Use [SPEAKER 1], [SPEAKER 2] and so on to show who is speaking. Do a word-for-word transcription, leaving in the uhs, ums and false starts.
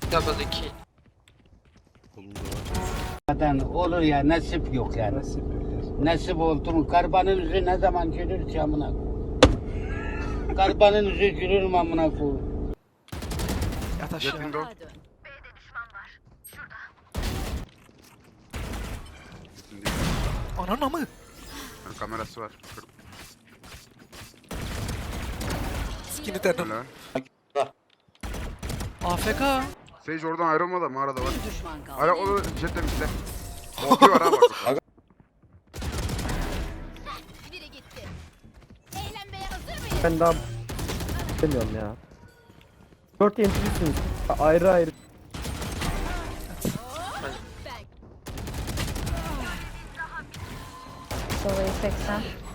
[SPEAKER 1] Double iki.
[SPEAKER 2] Zaten olur ya, nasip yok yani.
[SPEAKER 3] Nasip yok.
[SPEAKER 2] Nasip oldu mu? Karbanın yüzü ne zaman gülür ki amına koyayım? Karbanın yüzü gülür mü amına koyayım?
[SPEAKER 3] Yat
[SPEAKER 4] Jet
[SPEAKER 3] aşağı.
[SPEAKER 4] window.
[SPEAKER 3] Ananı mı?
[SPEAKER 4] Kamerası var.
[SPEAKER 3] Skinny terdim.
[SPEAKER 4] Öyle.
[SPEAKER 3] A F K.
[SPEAKER 4] Sage oradan ayrılma da mağarada var.
[SPEAKER 5] Bir düşman kaldı.
[SPEAKER 4] Hala o jetle bizde. Ortaya var ha bak.
[SPEAKER 5] Biri gitti. Eğlenmeye hazır mıyız?
[SPEAKER 6] Ben daha bilmiyorum ya. Dört yöneticisiniz. Ayrı ayrı.
[SPEAKER 5] Ben
[SPEAKER 7] Solayı seksen.